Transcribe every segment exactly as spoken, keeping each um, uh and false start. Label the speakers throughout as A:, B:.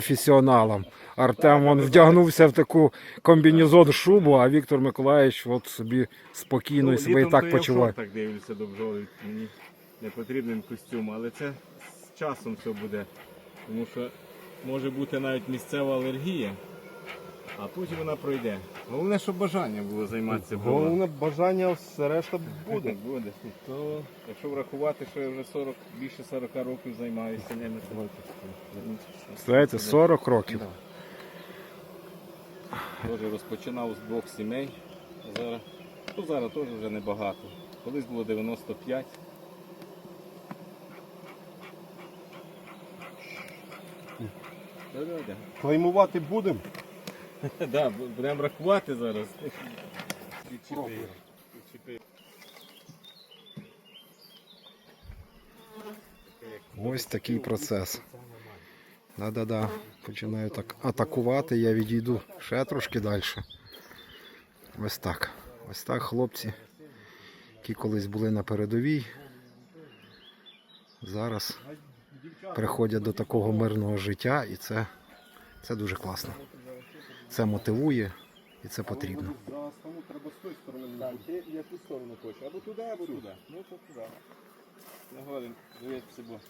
A: професіоналам. Артем он вдягнувся в таку комбінезон шубу, а Віктор Миколаївич от собі спокійно і себе і так почуває.
B: Так дивлюся до бджоли, мені не потрібен костюм, але це з часом все буде. Тому що може бути навіть місцева алергія, а потім вона пройде. Головне, щоб бажання було займатися бджолою.
C: Головне бажання, все решта буде.
B: Буде. То, якщо врахувати, що я вже сорок, більше сорока років займаюся ними.
A: Знаєте, сорок років.
B: Теж розпочинав з двох сімей. Зараз, ну, зараз теж вже небагато. Колись було дев'яносто п'ять.
C: Клеймувати будемо?
B: Так, будемо рахувати зараз.
A: Ось такий процес. Да-да-да. Починаю так атакувати, я відійду ще трошки далі. Ось так. Ось так хлопці, які колись були на передовій, зараз приходять до такого мирного життя, і це, це дуже класно. Це мотивує і це потрібно.
B: Так, я ту сторону хочу. Або туди, або туди. Ну, то туди. Не годен, дивіться, бо.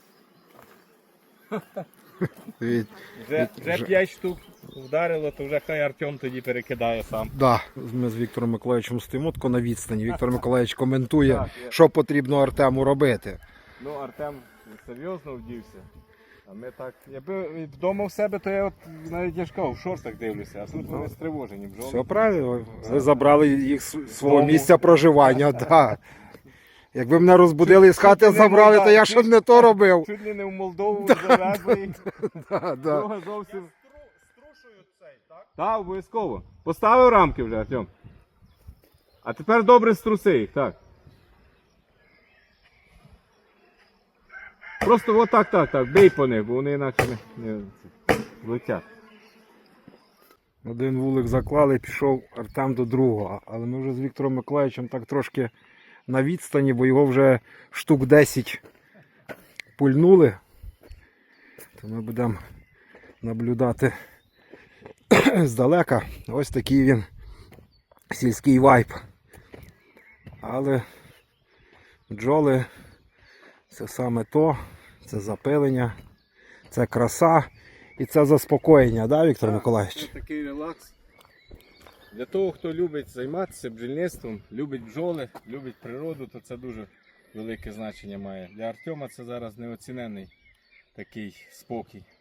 A: Від...
B: Вже, вже п'ять штук вдарило, то вже хай Артем тоді перекидає сам.
A: Да, ми з Віктором Миколаївичем стоїмо тако на відстані. Віктор Миколаївич коментує,
B: Так, я-
A: що потрібно Артему робити.
B: Ну, Артем серйозно вдівся. А ми так. Якби вдома в себе, то я от навіть я ж кажу, в шортах дивлюся, а тут вони стривожені бджоли.
A: Все правильно, ви забрали їх з свого місця проживання. Да. Якби мене розбудили і з хати забрали, то я щоб не то робив.
B: Чуть ли не в Молдову завезли.
A: Да, да.
B: Друга зовсім. Струшують цей, так? Так, обов'язково. Поставив рамки вже, Артем. А тепер добре струси їх, так. Просто отак, так, так, бий по них, бо вони інакше не, не летять.
A: Один вулик заклали, пішов Артем до другого. Але ми вже з Віктором Миколаївичем так трошки на відстані, бо його вже штук десять пульнули. То ми будемо наблюдати здалека. Ось такий він сільський вайб. Але бджоли це саме то, це запилення, це краса і це заспокоєння, да, Віктор Миколаївич?
B: Це такий релакс. Для того, хто любить займатися бджільництвом, любить бджоли, любить природу, то це дуже велике значення має. Для Артема це зараз неоцінений такий спокій.